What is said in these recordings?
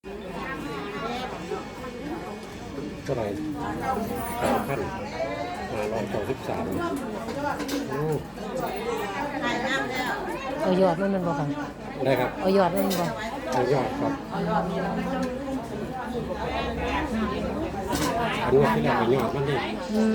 เท่าไหร่3,593 เอายอดมันบ่ค่ะได้ครับเอายอดมันบ่เอายอดครับอันนี้ที่เราไปยอดมันดิ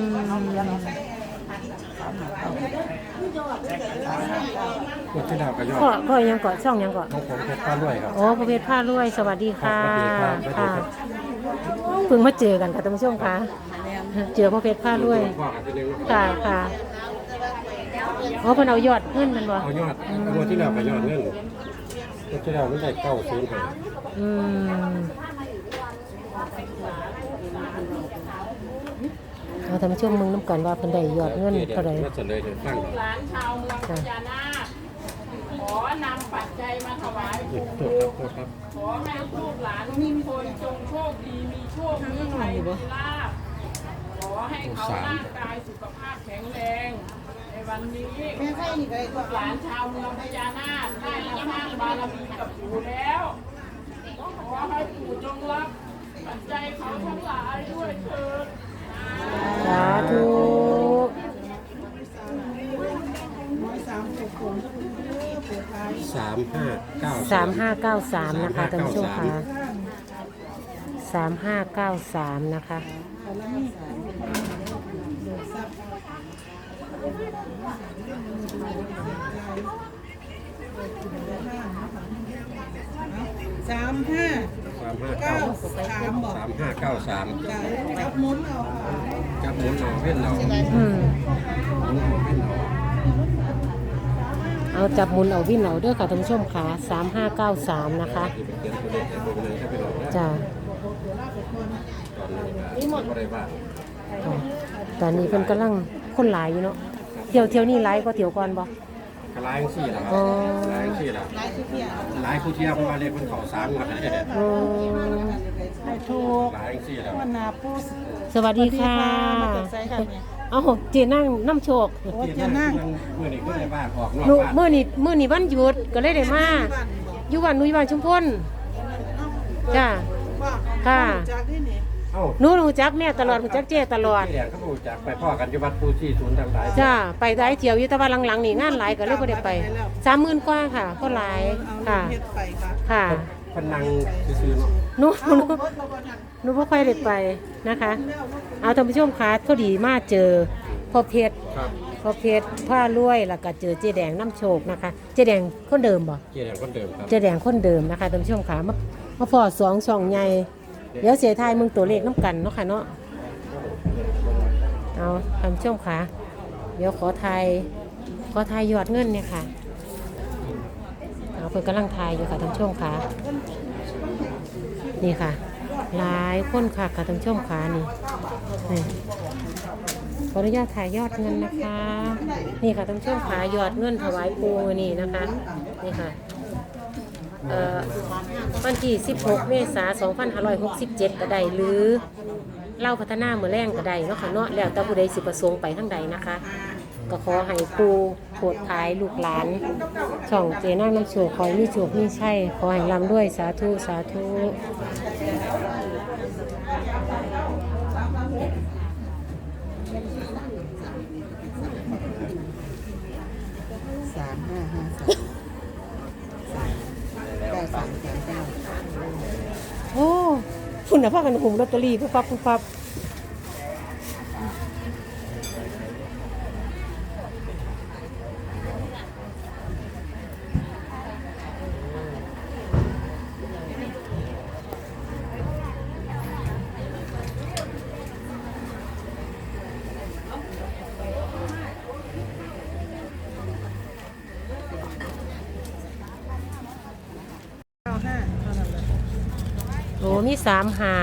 วันที่เราไปยอดพ่อยังเกาะช่องยังเกาะของผมเพชรผ้ารวยครับโอ้ประเภทผ้ารวยสวัสดีค่ะค่ะเพิ่งมาเจอกันค่ะท่านผู้ชมค่ะเจอประเภทผ้ารวยค่ะค่ะอ๋อเพิ่นเอายอดเงินมันบ่เอายอดวันที่เราไปยอดเงินวันที่เราไม่ได้905 เราทำช่วงมึงน้ำกันว่าเพิ่นได้ยอดเงินเท่าไหร่หลานชาวเมืองพญานาคขอนำปัจจัยมาถวายปู่ขอให้ลูกหลานทุกคนจงโชคดีมีโชคมีชัยมีลาภขอให้เขาร่างกายสุขภาพแข็งแรงในวันนี้ลูกหลานชาวเมืองพญานาคได้มาสร้างบารมีกับปู่แล้วขอให้ปู่จงรับปัจจัยเขาทั้งหลายด้วยเถิดสาธุ3593นะคะท่านผู้ชมค่ะ3593นะคะจับหมุนเอาเว้นเอาเอาจับหมุนเอาวิ่นเอาเด้อค่ะท่านผู้ชมค่ะ3593นะคะจ้าตอนนี้เพิ่นกำลังคนหลายอยู่เนาะเที่ยวนี่หลายก็เที่ยวก่อนบ่ก็หลายสี่แล้วครับหลายสี่แล้วหลายผู้เที่ยวเพราะว่าเรียกคนเขา3มาให้ถูกหลายสี่แล้วสวัสดีค่ะเอาเจนั่งน้ำโชคเจนั่งมื้อนี้ก็ได้บ้านออกนอกบ้านมื้อนี้วันหยุดก็เลยได้มาอยู่บ้านบ้านชุมพลจ้าค่ะหนูรู้จักแม่ตลอดรู้จักเจ้ตลอดเขารู้จักไปพ่อกันอยู่วัดปูชีศูนย์ต่างๆจ้าไปหลายเที่ยวอยู่แต่ว่าหลังๆนี่งานหลายก็เลยบ่ได้ไป 30,000 กว่าค่ะก็หลายค่ะค่ะพนังซื่อๆหนูบ่ค่อยได้ไปนะคะเอาท่านผู้ชมค่ะพอดีมาเจอพ่อเพชรผ้ารวยแล้วก็เจอเจ๊แดงน้ำโชคนะคะเจ๊แดงคนเดิมบ่เจ๊แดงคนเดิมครับเจ๊แดงคนเดิมนะคะท่านผู้ชมค่ะมาพอ2ช่องใหญ่เดี๋ยวเสียทายมึงตัวเลขน้ำกันเนาะค่ะเนาะเอาท่านผู้ชมค่ะเดี๋ยวขอทายยอดเงินเนี่ยค่ะเอาเพิ่นกำลังทายอยู่ค่ะท่านผู้ชมค่ะนี่ค่ะหลายคนค่ะท่านผู้ชมค่ะนี่ขออนุญาตถ่ายยอดเงินนะคะนี่ค่ะท่านผู้ชมค่ะยอดเงินถวายปู่นี่นะคะนี่ค่ะวันที่16 เมษายน 2567ก็ได้หรือเล่าพัฒนาเมื่อแรงก็ได้เนาะค่ะเนาะแล้วแต่ผู้ใดสิประสงค์ไปทางใดนะคะก็ขอให้ปู่โปรดทายลูกหลานช่องเจนั่งน้ำโชคขอให้มีโชคมีชัยขอให้ร่ำด้วยสาธุสาธุโอ้คุณน่ะพากันหุมลอตเตอรี่ปั๊บโอ้มี3593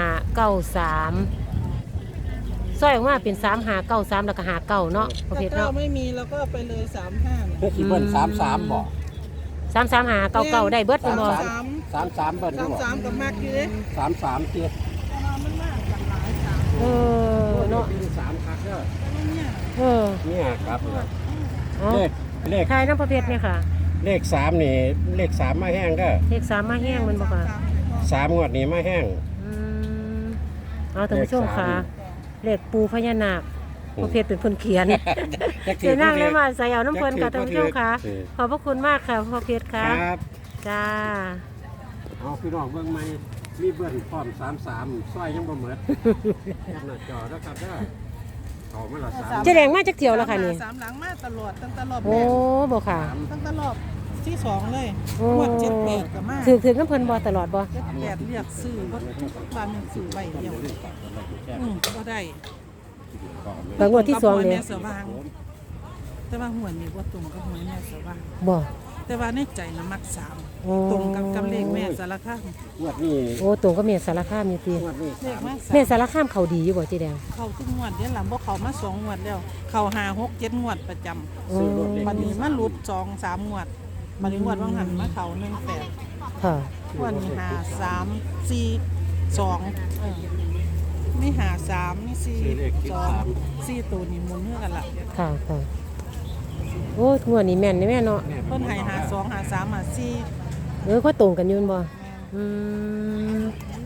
ซอยออกมาเป็น3593แล้วก็59เนาะประเภทเนาะไม่มีแล้วก็ไปเลย35 คือเบิ้ล33บ่ 33599ได้เบิดบ่ 33เบิ้ลบ่ 33กับมากอยู่เด้ 33เจ็ดมันมากกันหลายเนาะ 3คักเด้อเนี่ยครับเลขทายน้ำประเภทเนี่ยค่ะเลข3นี่เลข3มาแห้งเด้อเลข3มาแห้งมันบ่ค่ะ 3งวดนี้มาแห้งอืมเอาท่านผู้ชมค่ะเลขปูพญานาคพระเพชรเป็นคนเขียนเจนั่งเลยมาใส่เอาน้ำเพลินกับท่านผู้ชมค่ะขอบพระคุณมากค่ะพระเพชรครับครับจ้าเอาพี่น้องเบิ่งใหม่มีเบิ้ลพร้อม33ซอยยังบ่หมดแคปหน้าจอแล้วครับเด้อเข้ามาละ3 เจ๊แดงมาจากเที่ยวแล้วค่ะนี่สามหลังมาตลอดตั้งแต่รอบโอ้แรกบอกค่ะตั้งแต่รอบที่สองเลยโอ้งวด78กับมาถือน้ำเพลินบอตลอดบอ 78เรียกซื้อบ่ทุกบ้านหนึงซื้อไว้เดียวบ่ได้บางวันที่สองเลยแม่สว่างแต่ว่าหวยนี่บ่ตรงกับหวยแม่สว่างบอแต่ว่าในใจน่ะมักโอ้ 3ตรงกับเลขแม่สารคามงวดนี้โอ้ตรงก็เมียสารคามอยู่ตีงวดนี้เลขมาเมียสารคามเขาดีอยู่บ่เจ๊แดงเข้าทุกงวดเดี๋ยวหลังบ่เข้ามา2งวดแล้ว เข้า5 6 7งวดประจำโอ้บัดนี้มาหลุด2 3งวดบัดนี้งวดว่างหันมาเข้า18 ค่ะวันนี้5 3 4 2มี5 3มี4 2 4ตัวนี้หมุนเนื้อกันล่ะค่ะค่ะโอ้งวดนี้แม่นนี่แม่เนาะเพิ่นให้5 2 5 3 5 4 ก็ตรงกันอยืนบ่อืม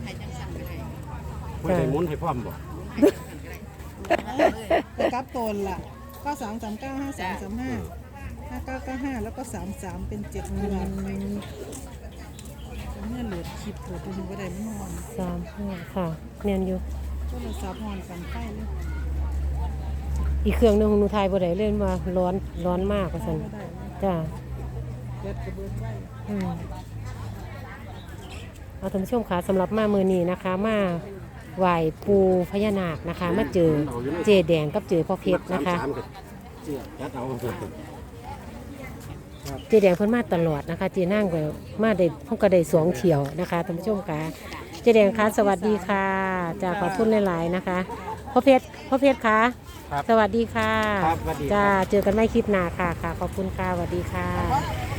ไม่ได้หมุนให้พร้อมบ่กลับตนล่ะ93 39 53 35 5995แล้วก็33เป็น7งวดเมื่อโหลดคลิปโหลดดูบ่ได้มันนอน 3 5ค่ะแม่นอยู่โทรศัพท์นอนกันไฟเลยอีกเครื่องหนึงของหนูไทยบ่ได้เล่นว่าร้อนมากว่าซั่นบ่ได้เลยจ้าเด็ดกระเบื้องไว้เอาท่านผู้ชมค่ะสำหรับมามือนี้นะคะ มาไหว้ปูพญานาคนะคะ มาเจอเจแดงกับเจอพ่อเพชรนะคะ 33ก็จัดเอาเจแดงเพิ่นมาตลอดนะคะ เจนั่งก็มาได้เพิ่นก็ได้สองเที่ยวนะคะท่านผู้ชมค่ะเจแดงคะสวัสดีค่ะจะขอบคุณหลายๆนะคะพ่อเพชรคะครับสวัสดีค่ะครับสวัสดีครับจ้าเจอกันไม่คลิปหน้าค่ะค่ะขอบคุณค่ะสวัสดีค่ะ